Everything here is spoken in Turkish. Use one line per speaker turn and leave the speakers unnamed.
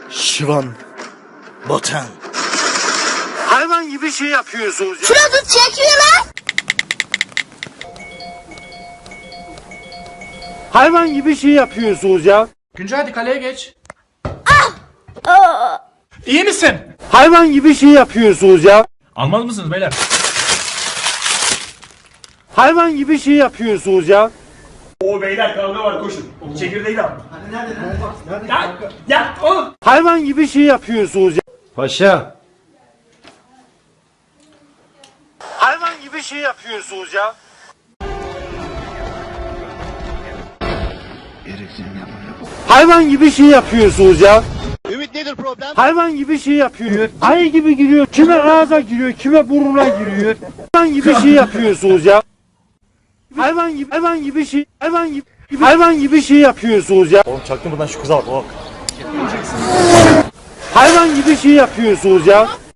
Şivan. Botan. Hayvan gibi şey yapıyorsunuz ya.
Şurada çekiyor lan.
Hayvan gibi şey yapıyorsunuz ya.
Güncel hadi kaleye geç. İyi misin?
Hayvan gibi şey yapıyorsunuz ya.
Almaz mısınız beyler?
Hayvan gibi şey yapıyorsunuz ya.
O beyler kavga var koşun. Çekirdeği al. Hani nerede? Ya oğlum.
Hayvan gibi şey yapıyorsunuz ya.
Paşa.
Hayvan gibi şey yapıyorsunuz ya. Hayvan gibi şey yapıyorsunuz ya.
Ümit nedir problem?
Hayvan gibi şey yapıyor. Ayı gibi giriyor. Kime ağza giriyor, kime burnuna giriyor. Hayvan gibi şey yapıyorsunuz ya. Hayvan gibi şey yapıyorsunuz ya.
Oğlum çaktın buradan şu kıza bak.
Hayvan gibi şey yapıyorsunuz ya.